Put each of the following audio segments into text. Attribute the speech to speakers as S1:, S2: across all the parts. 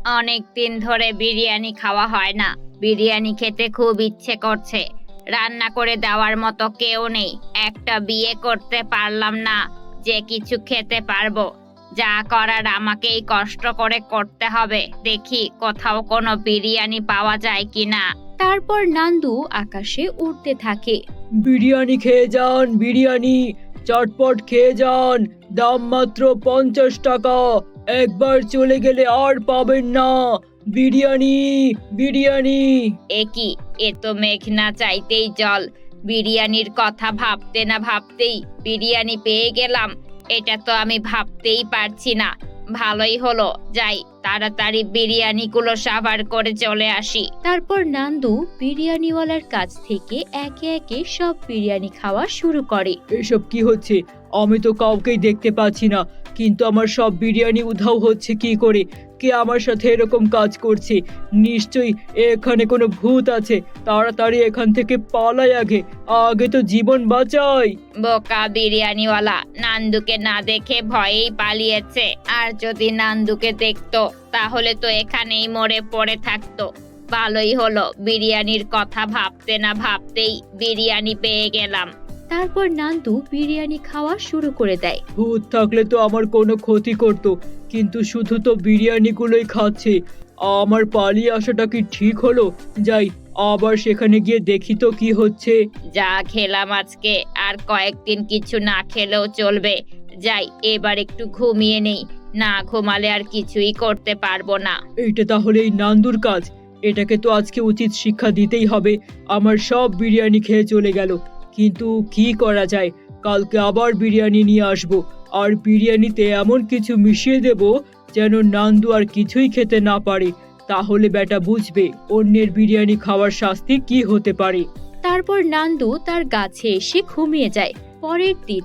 S1: অনেক দিন ধরে বিরিয়ানি খাওয়া হয় না। বিরিয়ানি খেতে খুব ইচ্ছে করছে। রান্না করে দেওয়ার মতো কেউ নেই। একটা বিয়ে করতে পারলাম না যে কিছু খেতে পারবো। যা করার আমাকেই কষ্ট করে করতে হবে। দেখি কোথাও কোনো বিরিয়ানি পাওয়া যায় কিনা।
S2: তারপর নান্দু আকাশে উড়তে থাকে।
S3: বিরিয়ানি খেয়ে যান, বিরিয়ানি চটপট খেয়ে যান, দাম মাত্র 50 টাকা। একবার চলে গেলে আর পাবেন না। বিরিয়ানি, বিরিয়ানি।
S1: এ কি, এ তো মেঘ না চাইতেই জল। বিরিয়ানির কথা ভাবতে না ভাবতেই বিরিয়ানি পেয়ে গেলাম। এটা তো আমি ভাবতেই পারছি না। ভালোই হলো, যাই তাড়াতাড়ি বিরিয়ানিগুলো সাভার করে চলে আসি।
S2: তারপর নান্দু বিরিয়ানিওয়ালার কাছ থেকে একে একে সব বিরিয়ানি খাওয়া শুরু করে।
S3: এসব কি হচ্ছে? আমি তো কাউকেই দেখতে পাচ্ছি না, কিন্তু আমার সব বিরিয়ানি উধাও হচ্ছে কি করে? কে আমার সাথে এরকম কাজ করছে? নিশ্চয়ই এখানে কোনো ভূত আছে। তাড়াতাড়ি এখান থেকে পালাই, আগে আগে তো জীবন বাঁচাই।
S1: বোকা বিরিয়ানিওয়ালা নান্দুকে না দেখে ভয়েই পালিয়েছে। আর যদি নান্দুকে দেখতো তাহলে তো এখানেই মরে পড়ে থাকতো। ভালোই হলো, বিরিয়ানির কথা ভাবতে না ভাবতেই বিরিয়ানি পেয়ে গেলাম।
S2: তারপর নান্দু বিরিয়ানি খাওয়া শুরু করে দেয়।
S3: ভূত থাকলে তো আমার কোনো ক্ষতি করতো, কিন্তু শুধু তো বিরিয়ানিগুলোই খাচ্ছে। আমার পালিয়ে আসাটা কি ঠিক হলো? যাই আবার সেখানে গিয়ে দেখি তো কি হচ্ছে।
S1: যা খেলাম আজকে, আর কয়েকদিন কিছু না খেলেও চলবে। যাই এবার একটু ঘুমিয়ে নেই। না ঘুমালে আর কিছুই করতে পারবো না।
S3: এইটা তাহলে এই নান্দুর কাজ। এটাকে তো আজকে উচিত শিক্ষা দিতেই হবে। আমার সব বিরিয়ানি খেয়ে চলে গেল, কিন্তু কি করা যায়? কালকে আবার বিরিয়ানি নিয়ে আসবো, আর বিরিয়ানিতে এমন কিছু মিশিয়ে দেব যেন নান্দু আর কিছুই খেতে না পারে। তাহলে বেটা বুঝবে অন্যের বিরিয়ানি খাওয়ার শাস্তি কি হতে পারে।
S2: তারপর নান্দু তার গাছে এসে ঘুমিয়ে যায়। পরের দিন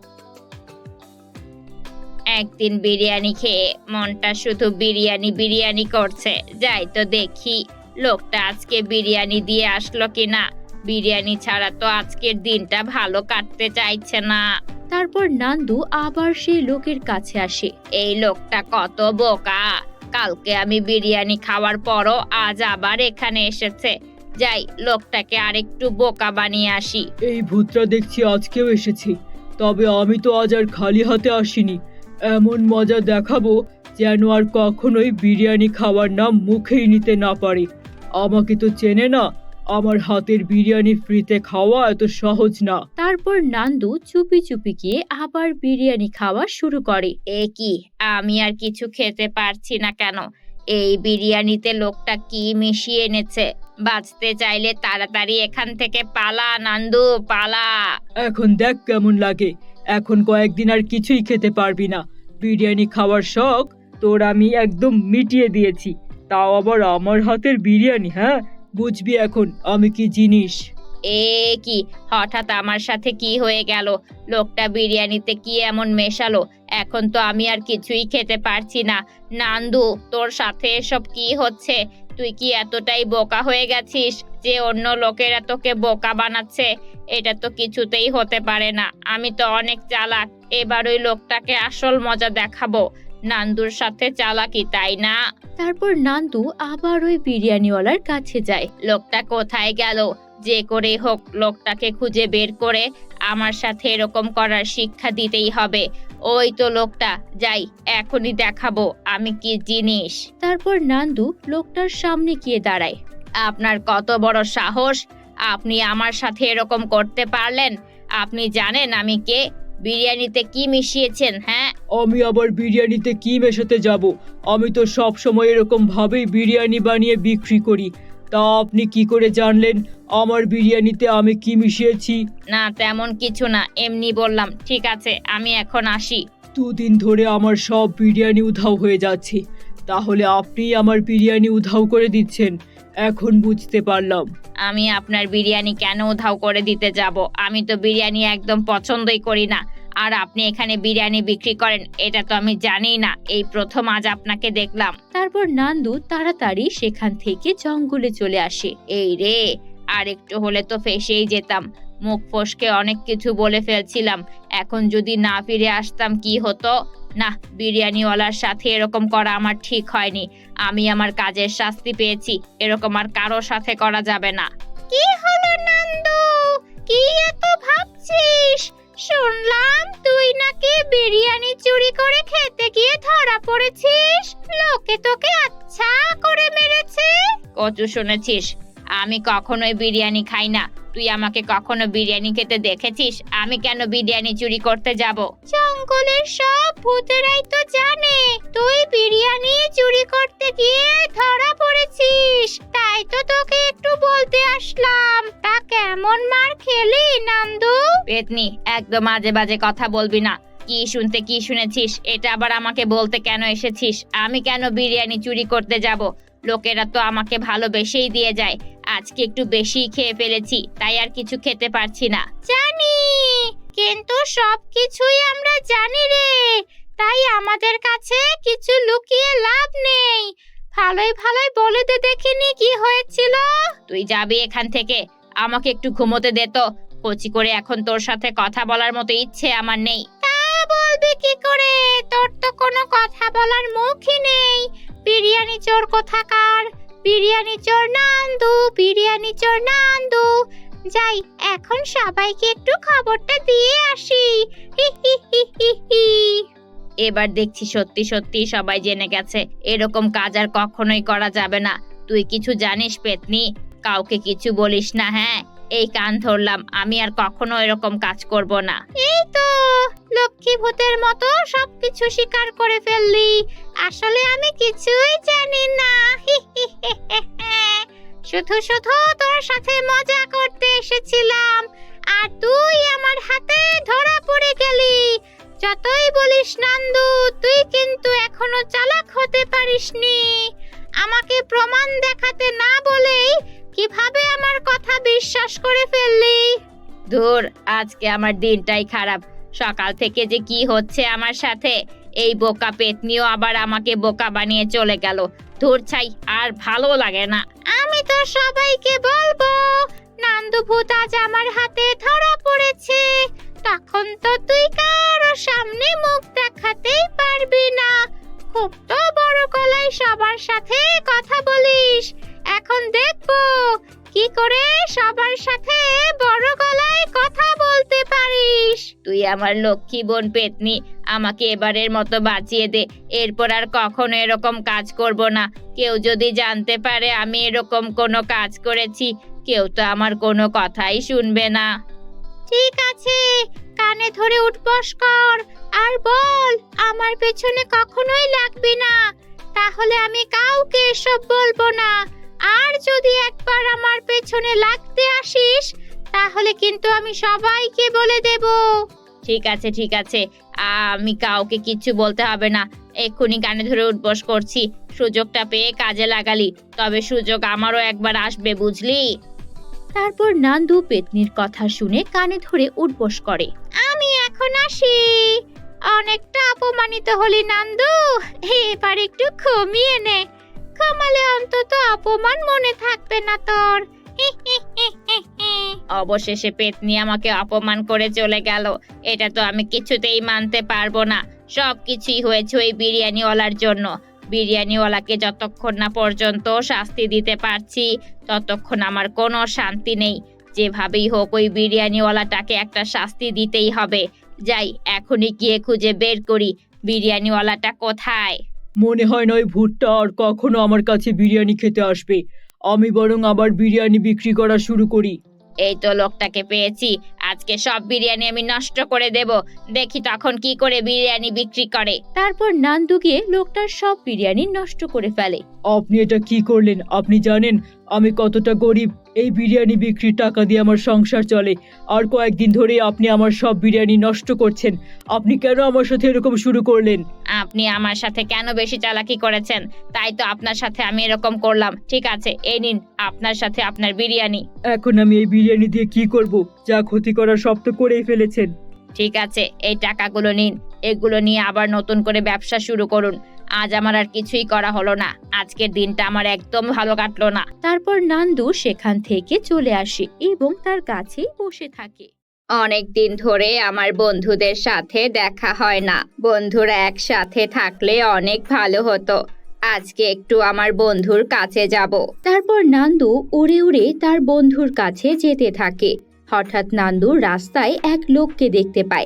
S1: একদিন বিরিয়ানি খেয়ে মনটা শুধু বিরিয়ানি বিরিয়ানি করছে। যাই তো দেখি লোকটা আজকে বিরিয়ানি দিয়ে আসলো কিনা। বিরিয়ানি ছাড়া তো আজকের দিনটা ভালো কাটতে চাইছে না।
S2: তারপর নান্দু আবার সেই লোকের কাছে আসে।
S1: এই লোকটা কত বোকা! কালকে আমি বিরিয়ানি খাওয়ার পরও আজ আবার এখানে এসেছে। যাই লোকটাকে আরেকটু বোকা বানিয়ে আসি।
S3: এই ভূতটা দেখছি আজকেও এসেছে। তবে আমি তো আজ আর খালি হাতে আসিনি। এমন মজা দেখাবো যেন আর কখনোই বিরিয়ানি খাওয়ার নাম মুখেই নিতে না পারে। আমাকে তো চেনে না, আমার হাতের বিরিয়ানি ফ্রিতে খাওয়া এত সহজ না।
S2: তারপর নান্দু চুপি চুপি গিয়ে আবার বিরিয়ানি খাওয়া শুরু করে।
S1: এ কি, আমি আর কিছু খেতে পারছি না কেন? এই বিরিয়ানিতে লোকটা কি মিশিয়ে এনেছে? বাঁচতে চাইলে তাড়াতাড়ি এখান থেকে পালা নান্দু, পালা।
S3: এখন দেখ কেমন লাগে। এখন কয়েকদিন আর কিছুই খেতে পারবি না। বিরিয়ানি খাওয়ার শখ তোর আমি একদম মিটিয়ে দিয়েছি, তাও আবার আমার হাতের বিরিয়ানি। হ্যাঁ, বুঝবি এখন আমি কি জিনিস।
S1: এ কি, হঠাৎ আমার সাথে কি হয়ে গেল? লোকটা বিরিয়ানিতে কি এমন মেশালো? এখন তো আমি আর কিছুই খেতে পারছি না। নান্দু, তোর সাথে এসব কি হচ্ছে? তুই কি এতটাই বোকা হয়ে গেছিস যে অন্য লোকেরা তোকে বোকা বানাচ্ছে? এটা তো কিছুতেই হতে পারে না। আমি তো অনেক চালাক। এবার ওই লোকটাকে আসল মজা দেখাবো। নান্দুর সাথে চালাকি, তাই না?
S2: তারপর নান্দু আবার ওই বিরিয়ানিওয়ালার কাছে যায়।
S1: লোকটা কোথায় গেল? যে করে হোক লোকটাকে খুঁজে বের করে আমার সাথে এরকম করার শিক্ষা দিতেই হবে। ওই তো লোকটা, যাই এখনই দেখাবো আমি কি জিনিস।
S2: তারপর নান্দু লোকটার সামনে গিয়ে দাঁড়ায়।
S1: আপনার কত বড় সাহস! আপনি আমার সাথে এরকম করতে পারলেন? আপনি জানেন আমি কে? বিরিয়ানিতে কি মিশিয়েছেন? হ্যাঁ,
S3: আমি আবার বিরিয়ানিতে কি মেশাতে যাব? আমি তো সব সময় এরকম ভাবেই বিরিয়ানি বানিয়ে বিক্রি করি। তা আপনি কি করে জানলেন আমার বিরিয়ানিতে আমি কি মিশিয়েছি?
S1: না তেমন কিছু না, এমনি বললাম। ঠিক আছে, আমি এখন আসি।
S3: দুদিন ধরে আমার সব বিরিয়ানি উধাও হয়ে যাচ্ছে, তাহলে আপনি আমার বিরিয়ানি উধাও করে দিচ্ছেন। এখন বুঝতে পারলাম।
S1: আমি আপনার বিরিয়ানি কেন উধাও করে দিতে যাব? আমি তো বিরিয়ানি একদম পছন্দই করি না। আর আপনি এখানে বিরিয়ানি বিক্রি করেন এটা তো আমি জানিই না। এই প্রথম আজ আপনাকে দেখলাম।
S2: তারপর নান্দু তাড়াতাড়ি সেখান থেকে জঙ্গলে চলে আসে।
S1: এই রে, আর একটু হলে তো ফেঁসেই যেতাম। মুখ ফসকে অনেক কিছু বলে ফেলছিলাম। এখন যদি না ফিরে আসতাম কি হতো? না, বিরিয়ানিওয়ালার সাথে এরকম করা আমার ঠিক হয়নি। আমি আমার কাজের শাস্তি পেয়েছি, এরকম আর কারো সাথে করা যাবে না। কি হলো নন্দু, কি এত ভাবছিস? শুনলাম তুই নাকি বিরিয়ানি চুরি করে খেতে গিয়ে ধরা পড়েছিস। লোকে তোকে আচ্ছা করে মেরেছে। কচু শুনেছিস? আমি কখনোই বিরিয়ানি খাই না। তুই আমাকে কখনো বিরিয়ানি খেতে দেখেছিস? আমি কেন বিরিয়ানি চুরি করতে যাব? জঙ্গলের সব ভূতেরাই তো জানে তুই বিরিয়ানি চুরি করতে গিয়ে ধরা পড়েছিস, তাই তো তোকে একটু বলতে আসলাম। তা কেমন মার খেলি নন্দু? পেতনি, একদম আজে বাজে কথা বলবি না। কি শুনতে কি শুনেছিস? এটা আবার আমাকে বলতে কেন এসেছিস? আমি কেন বিরিয়ানি চুরি করতে যাব? লোকেরা তো আমাকে ভালোবেসেই দিয়ে যায়। আজকে একটু বেশি খেয়ে ফেলেছি, তাই আর কিছু খেতে পারছি না। জানি, কিন্তু সবকিছুই আমরা জানি রে, তাই আমাদের কাছে কিছু লুকিয়ে লাভ নেই। ভালোই ভালোই বলে দে দেখিনি কি হয়েছিল। তুই যাবি এখান থেকে? আমাকে একটু ঘুমোতে দে তো। কচি করে এখন তোর সাথে কথা বলার মতো ইচ্ছে আমার নেই। তা বলবি কি করে? তোর তো কোনো কথা বলার মুখই নেই। বিরিয়ানি চোর কোথাকার! বিরিয়ানি চোর নান্দু, বিরিয়ানি চোর নান্দু। যাই, এখন সবাইকে একটু খবরটা দিয়ে আসি। হি হি হি হি হি। এবার দেখছি সত্যি সত্যি সবাই জেনে গেছে। এরকম কাজ আর কখনোই করা যাবে না। তুই কিছু জানিস পেতনি? কাউকে কিছু বলিস না, হ্যাঁ? এই কান ধরলাম, আমি আর কখনো এরকম কাজ করব না। এই তো লক্ষ্মী ভূতের মতো সবকিছু স্বীকার করে ফেললি। আসলে আমি কিছুই জানি না। শুধু শুধু তোর সাথে মজা করতে এসেছিলাম, আর তুই আমার হাতে ধরা পড়ে গেলি। যতই বলিস নন্দু, তুই কিন্তু এখনো চালাক হতে পারিসনি। আমাকে প্রমাণ দেখাতে না বলেই কিভাবে আমার কথা বিশ্বাস করে ফেললি? ধুর, আজকে আমার দিনটাই খারাপ। সকাল থেকে যে কি হচ্ছে আমার সাথে। এই বোকা পেতনিও আবার আমাকে বোকা বানিয়ে চলে গেল। ধুর ছাই, আর ভালো লাগে না। আমি তো সবাইকে বলবো নান্দু ভূত আজ আমার হাতে ধরা পড়েছে। তখন তো তুই কারো সামনে মুখ দেখাতেই পারবি না। খুব তো বড় গলায় সবার সাথে কথা বলিস। এখন দেখবো কি করে সবার সাথে বড় গলায় কথা বলতে পারিস। তুই আমার লক্ষ্মী বোন পেতনি, আমাকে এবারের মতো বাঁচিয়ে দে। এরপর আর কখনো এরকম কাজ করব না। কেউ যদি জানতে পারে আমি এরকম কোনো কাজ করেছি, কেউ তো আমার কোনো কথাই শুনবে না। ঠিক আছে, কানে ধরে উঠবস কর আর বল আমার পেছনে কখনোই লাগবি না। তাহলে আমি কাউকে এসব বলবো না। আর যদি একবার আমার পেছনে লাগতে আসিস, তাহলে কিন্তু আমি সবাইকে বলে দেব। ঠিক আছে ঠিক আছে, আমি কাউকে কিচ্ছু বলতে হবে না। এক্ষুনি কানে ধরে উঠবস করছি। সুযোগটা পেয়ে কাজে লাগালি, তবে সুযোগ আমারও একবার আসবে, বুঝলি?
S2: তারপর নান্দু পেতনির কথা শুনে কানে ধরে উঠবস করে।
S1: আমি এখন আসি। অনেকটা অপমানিত হলি নান্দু, এবার একটু ঘুমিয়ে নে। ঘুমালে অন্তত অপমান মনে থাকবে না তোর। অবশেষে পেতনি আমাকে অপমান করে চলে গেল। এটা তো আমি কিছুতেই মানতে পারবো না। সবকিছুই হয়েছে ওই বিরিয়ানিওয়ালার জন্য। বিরিয়ানিওয়ালাকে যতক্ষণ না পর্যন্ত শাস্তি দিতে পারছি, ততক্ষণ আমার কোনো শান্তি নেই। যেভাবেই হোক ওই বিরিয়ানিওয়ালাটাকে একটা শাস্তি দিতেই হবে। যাই, এখনই গিয়ে খুঁজে বের করি বিরিয়ানিওয়ালাটা কোথায়।
S3: মনে হয় না ওই ভূতটা আর কখনো আমার কাছে বিরিয়ানি খেতে আসবে। আমি বরং আবার বিরিয়ানি বিক্রি করা শুরু করি।
S1: এই তো লোকটাকে পেয়েছি। আজকে সব বিরিয়ানি আমি নষ্ট করে দেব। দেখি তখন কি করে বিরিয়ানি বিক্রি করে।
S2: তারপর নান্দু গিয়ে লোকটার সব বিরিয়ানি নষ্ট করে ফেলে।
S3: আপনি এটা কি করলেন? আপনি জানেন আমি কতটা গরিব? এই বিরিয়ানি বিক্রির টাকা দিয়ে আমার সংসার চলে, আর কয়েকদিন ধরে আপনি আমার সব বিরিয়ানি নষ্ট করছেন। আপনি কেন আমার সাথে এরকম শুরু করলেন?
S1: আপনি আমার সাথে কেন বেশি চালাকি করেছেন, তাই তো আপনার সাথে আমি এরকম করলাম। ঠিক আছে, এই নিন আপনার সাথে আপনার বিরিয়ানি।
S3: এখন আমি এই বিরিয়ানি দিয়ে কি করব? যা ক্ষতি করার সব তো করেই ফেলেছেন।
S1: ঠিক আছে, এই টাকাগুলো নিন। এগুলো নিয়ে আবার নতুন করে ব্যবসা শুরু করুন। আজ আমার আর কিছুই করা হলো না। আজকের দিনটা আমার একদম ভালো কাটলো না।
S2: তারপর নান্দু সেখান থেকে চলে আসে এবং তার কাছেই বসে থাকে।
S1: অনেক দিন ধরে আমার বন্ধুদের সাথে দেখা হয় না। বন্ধুরা একসাথে থাকলে অনেক ভালো হতো। আজকে একটু আমার বন্ধুর কাছে যাব।
S2: তারপর নান্দু উড়ে উড়ে তার বন্ধুর কাছে যেতে থাকে। হঠাৎ নান্দু রাস্তায় এক লোককে দেখতে পায়।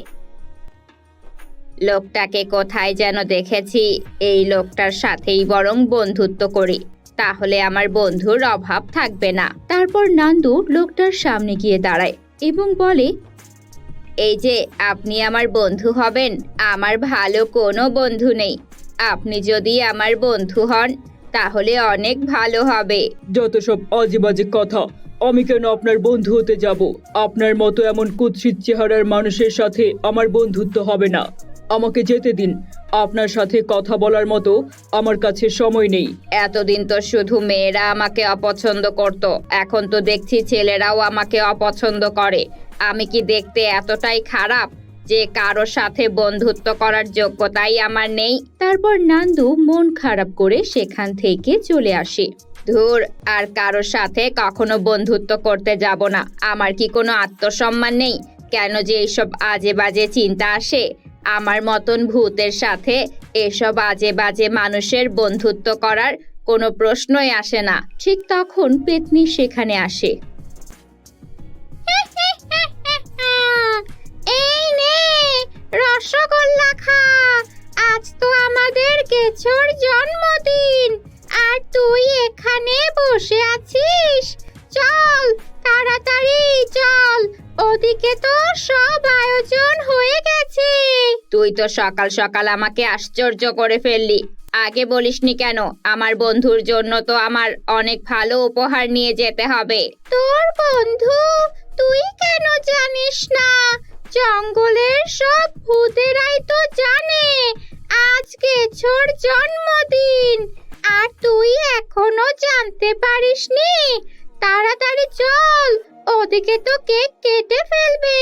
S1: লোকটাকে কোথায় যেন দেখেছি। এই লোকটার সাথেই বরং বন্ধুত্ব করি, তাহলে আমার বন্ধুর অভাব থাকবে না।
S2: তারপর নান্দু লোকটার সামনে গিয়ে দাঁড়ায় এবং বলে,
S1: এই যে আপনি আমার বন্ধু হবেন, আমার ভালো কোনো বন্ধু নেই। আপনি যদি আমার বন্ধু হন তাহলে অনেক ভালো হবে।
S3: যত সব আজে বাজে কথা, আমি কেন আপনার বন্ধু হতে যাব? আপনার মতো এমন কুৎসিত চেহারার মানুষের সাথে আমার বন্ধুত্ব হবে না। আমাকে যেতে দিন। আপনার সাথে কথা বলার মতো আমার কাছে সময় নেই।
S1: এতদিন তো শুধু মেয়েরা আমাকে অপছন্দ করত, এখন তো দেখছি ছেলেরাও আমাকে অপছন্দ করে। আমি কি দেখতে এতটাই খারাপ যে কারোর সাথে বন্ধুত্ব করার যোগ্যতাই আমার নেই?
S2: তারপর নান্দু মন খারাপ করে সেখান থেকে চলে আসে।
S1: ধুর, আর কারোর সাথে কখনো বন্ধুত্ব করতে যাব না। আমার কি কোনো আত্মসম্মান নেই? কেন যে এইসব আজে বাজে চিন্তা আসে? আমার মতন ভূতের সাথে এসব আজে বাজে মানুষের বন্ধুত্ব করার কোনো প্রশ্নই আসে না।
S2: ঠিক তখন পেতনি সেখানে আসে।
S1: এই নে রসগোল্লা খা। আজ তো আমাদের কেছোর জন্মদিন, আর তুই এখানে বসে আছিস? চল তাড়াতাড়ি চল, ওদিকে তো সব আয়োজন হয়ে গেছে। তুই তো সকাল সকাল আমাকে আশ্চর্য করে ফেললি। আগে বলিসনি কেন? আমার বন্ধুর জন্য তো আমার অনেক ভালো উপহার নিয়ে যেতে হবে। তোর বন্ধু? তুই কেন জানিস না? জঙ্গলের সব ভূতেরাই তো জানে আজ কেছোর জন্মদিন, আর তুই এখনো জানতে পারিসনি? তাড়াতাড়ি চল, ওদিকে তো কেক কেটে ফেলবে।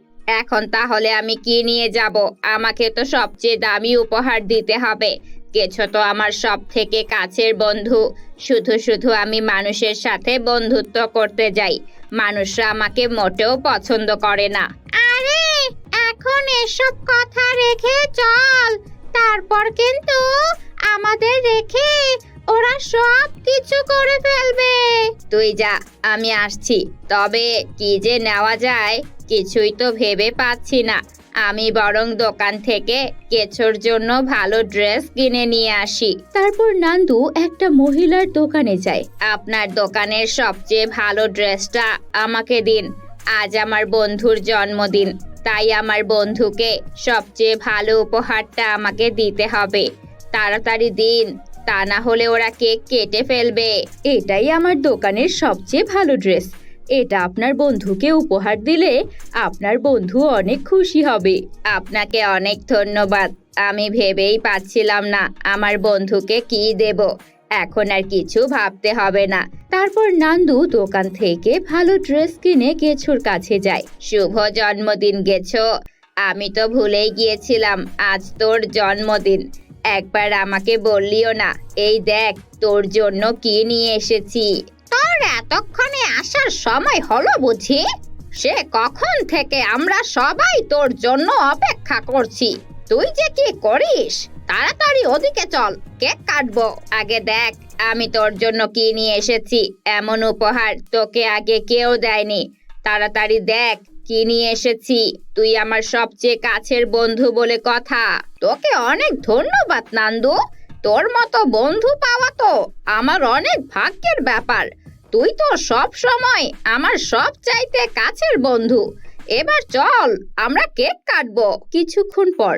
S1: এখন তাহলে আমি কি নিয়ে যাব? আমাকে তো সবচেয়ে দামি উপহার দিতে হবে। কেছো তো আমার সব থেকে কাছের বন্ধু। শুধু শুধু আমি মানুষের সাথে বন্ধুত্ব করতে যাই, মানুষরা আমাকে মোটেও পছন্দ করে না। আরে এখন এসব কথা রেখে চল, তারপর কিন্তু আমাদের রেখে ওরা সব কিছু করে ফেলবে। তুই যা, আমি আসছি। তবে কি যে নেওয়া যায় কিছুই তো ভেবে পাচ্ছি না। আমি বরং দোকান থেকে কেছোর জন্য ভালো ড্রেস কিনে নিয়ে আসি।
S2: তারপর নান্দু একটা মহিলার দোকানে যায়।
S1: আপনার দোকানের সবচেয়ে ভালো ড্রেসটা আমাকে দিন। আজ আমার বন্ধুর জন্মদিন, তাই আমার বন্ধুকে সবচেয়ে ভালো উপহারটা আমাকে দিতে হবে। তাড়াতাড়ি দিন, তা না হলে ওরা কেক কেটে ফেলবে।
S2: এটাই আমার দোকানের সবচেয়ে ভালো ড্রেস। এটা আপনার বন্ধুকে উপহার দিলে আপনার বন্ধু অনেক খুশি হবে।
S1: আপনাকে অনেক ধন্যবাদ। আমি ভেবেই পাচ্ছিলাম না আমার বন্ধুকে কি দেব। এখন আর কিছু ভাবতে হবে না।
S2: তারপর নান্দু দোকান থেকে ভালো ড্রেস কিনে গেছোর কাছে যায়।
S1: শুভ জন্মদিন গেছো। আমি তো ভুলেই গিয়েছিলাম আজ তোর জন্মদিন। একবার আমাকে বললিও না। এই দেখ তোর জন্য কি নিয়ে এসেছি। তোর এতক্ষণে আসার সময় হলো বুঝি? সে কখন থেকে আমরা সবাই তোর জন্য অপেক্ষা করছি। তুই যে কি করিস? তাড়াতাড়ি ওদিকে চল, কেক কাটবো। আগে দেখ আমি তোর জন্য কি নিয়ে এসেছি। এমন উপহার তোকে আগে কেউ দেয়নি। তাড়াতাড়ি দেখ কি নিয়ে এসেছি। তুই আমার সবচেয়ে কাছের বন্ধু বলে কথা। তোকে অনেক ধন্যবাদ নান্দু। তোর মতো বন্ধু পাওয়া তো আমার অনেক ভাগ্যের ব্যাপার। তুই তো সব সময় আমার সব চাইতে কাছের বন্ধু। এবার চল আমরা কেক কাটবো।
S2: কিছুক্ষণ পর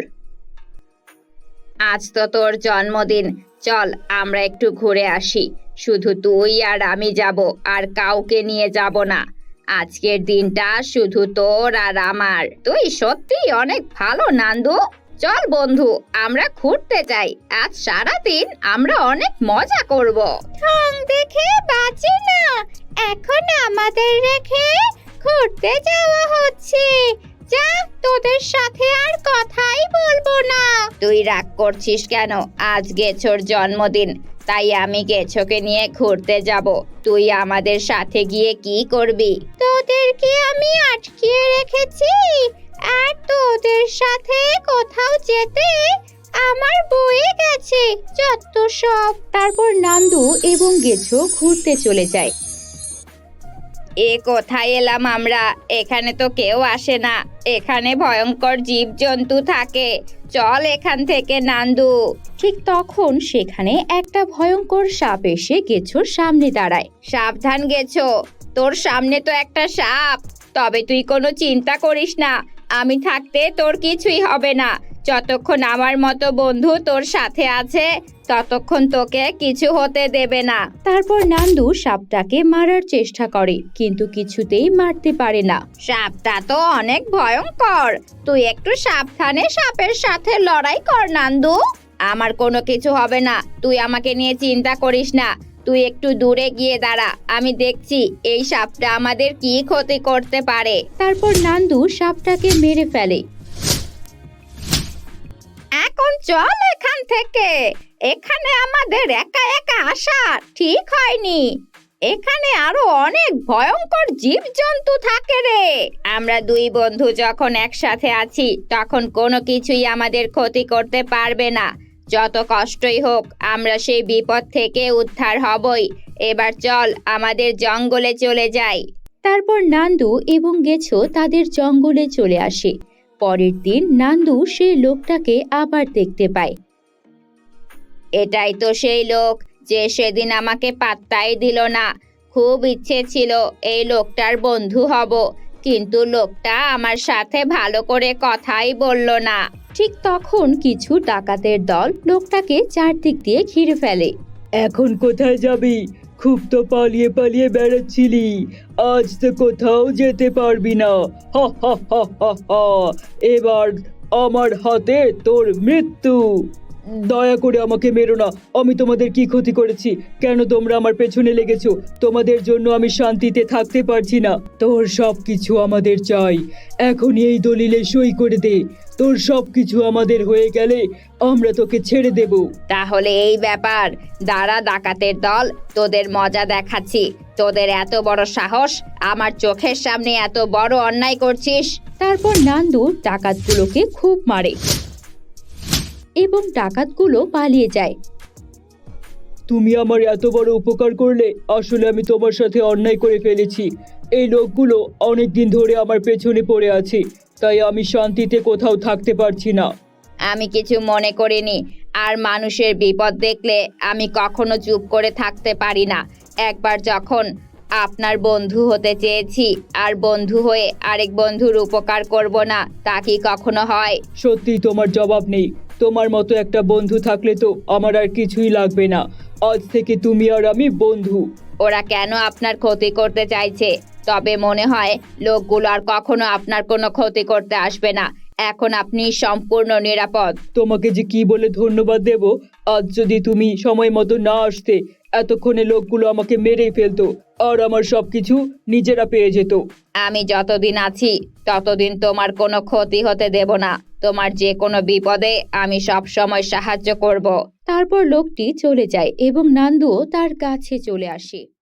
S1: আজ তো তোর জন্মদিন, চল আমরা একটু ঘুরে আসি। শুধু তুই আর আমি যাব, আর কাউকে নিয়ে যাব না। আজকের দিনটা শুধু তোর আর আমার। তুই সত্যিই অনেক ভালো নান্দু। চল বন্ধু, আমরা ঘুরতে যাই। আজ সারাদিন আমরা অনেক মজা করব। ঠং দেখে বাঁচি না, এখন আমাদের রেখে ঘুরতে যাওয়া হচ্ছে। যা, তোদের সাথে আর কথাই বলবো না। তুই রাগ করছিস কেন? আজ গেছোর জন্মদিন, তাই আমি গেছোকে নিয়ে ঘুরতে যাব। তুই আমাদের সাথে গিয়ে কি করবি? তোদেরকে আমি আটকিয়ে রেখেছি, আর তোদের সাথে কোথাও যেতে আমার বয়ে গেছে যত সব।
S2: তারপর নান্দু এবং গেছো ঘুরতে চলে যায়।
S1: এ কোথায় এলাম আমরা? এখানে তো কেউ আসে না, এখানে ভয়ঙ্কর জীবজন্তু থাকে। চল এখান থেকে নান্দু।
S2: ঠিক তখন সেখানে একটা ভয়ঙ্কর সাপ এসে গেছোর সামনে দাঁড়ায়।
S1: সাবধান গেছো, তোর সামনে তো একটা সাপ। তবে তুই কোনো চিন্তা করিস না, আমি থাকতে তোর কিছুই হবে না। যতক্ষণ আমার মতো বন্ধু তোর সাথে আছে ততক্ষণ তোকে কিছু হতে দেবে না।
S2: তারপর নান্দু সাপটাকে মারার চেষ্টা করে, কিন্তু কিছুতেই মারতে পারে না।
S1: সাপটা তো অনেক ভয়ঙ্কর, তুই একটু সাবধানে সাপের সাথে লড়াই কর নান্দু। আমার কোনো কিছু হবে না, তুই আমাকে নিয়ে চিন্তা করিস না। তুই একটু দূরে গিয়ে দাঁড়া, আমি দেখছি এই সাপটা আমাদের কি ক্ষতি করতে পারে।
S2: তারপর নান্দু সাপটাকে মেরে ফেলে।
S1: এখন চল এখান থেকে, এখানে আমাদের একা একা আসা ঠিক হয়নি। এখানে আরো অনেক ভয়ঙ্কর জীবজন্তু থাকে রে। আমরা দুই বন্ধু যখন একসাথে আছি তখন কোনো কিছুই আমাদের ক্ষতি করতে পারবে না। যত কষ্টই হোক আমরা সেই বিপদ থেকে উদ্ধার হবই। এবার চল আমাদের জঙ্গলে চলে যাই।
S2: তারপর নান্দু এবং গেছো তাদের জঙ্গলে চলে আসে। পরের দিন নান্দু সেই লোকটাকে আবার দেখতে পায়।
S1: এটাই তো সেই লোক যে সেদিন আমাকে পাত্তাই দিল না। খুব ইচ্ছে ছিল এই লোকটার বন্ধু হব, কিন্তু লোকটা আমার সাথে ভালো করে কথাই বলল না।
S2: ঠিক তখন কিছু ডাকাতের দল লোকটাকে চারদিক দিয়ে ঘিরে ফেলে।
S3: এখন কোথায় যাবি? খুব তো পালিয়ে পালিয়ে বেড়াচ্ছিলি, আজ তো কোথাও যেতে পারবি না। হা হা হা হা হা, এবার আমার হাতে তোর মৃত্যু। দয়া করে আমাকে মেরো না, আমি তোমাদের কি ক্ষতি করেছি? কেন তোমরা আমার পেছনে লেগেছো? তোমাদের জন্য আমি শান্তিতে থাকতে পারছি না। তোর সব কিছু আমাদের চাই, এখনই এই দলিলে সই করে দে। তোর সব কিছু আমাদের হয়ে গেলে আমরা তোকে ছেড়ে দেব।
S1: তাহলে এই ব্যাপার, দাঁড়া ডাকাতের দল, তোদের মজা দেখাচ্ছি। তোদের এত বড় সাহস, আমার চোখের সামনে এত বড় অন্যায় করছিস।
S2: তারপর নান্দু ডাকাতগুলোকে খুব মারে এবং ডাকাতগুলো পালিয়ে যায়।
S3: তুমি আমার এত বড় উপকার করলে, আসলে আমি তোমার সাথে অন্যায় করে ফেলেছি। এই লোকগুলো অনেক দিন ধরে আমার পেছনে পড়ে আছে, তাই আমি শান্তিতে কোথাও থাকতে পারছি না।
S1: আমি কিছু মনে করিনি, আর মানুষের বিপদ দেখলে আমি কখনো চুপ করে থাকতে পারি না। একবার যখন আপনার বন্ধু হতে চেয়েছি, আর বন্ধু হয়ে আরেক বন্ধুর উপকার করব না, তা কি কখনো হয়?
S3: সত্যি তোমার জবাব নেই। তোমার মতো একটা বন্ধু থাকলে তো আমার আর কিছুই লাগবে না। আজ থেকে তুমি আর আমি বন্ধু।
S1: ওরা কেন আপনার ক্ষতি করতে চাইছে? তবে মনে হয় লোকগুলো আর কখনো আপনার কোনো ক্ষতি করতে আসবে না। এখন আপনি সম্পূর্ণ নিরাপদ।
S3: তোমাকে যে কি বলে ধন্যবাদ দেব। আজ যদি তুমি সময় মতো না আসতে, এতক্ষণে লোকগুলো আমাকে মেরেই ফেলতো, আর আমার সবকিছু নিজেরা পেয়ে যেত।
S1: আমি যতদিন আছি ততদিন তোমার কোনো ক্ষতি হতে দেব না। তোমার যে কোনো বিপদে আমি সব সময় সাহায্য করব।
S2: তারপর লোকটি চলে যায় এবং নান্দুও তার কাছে চলে আসে।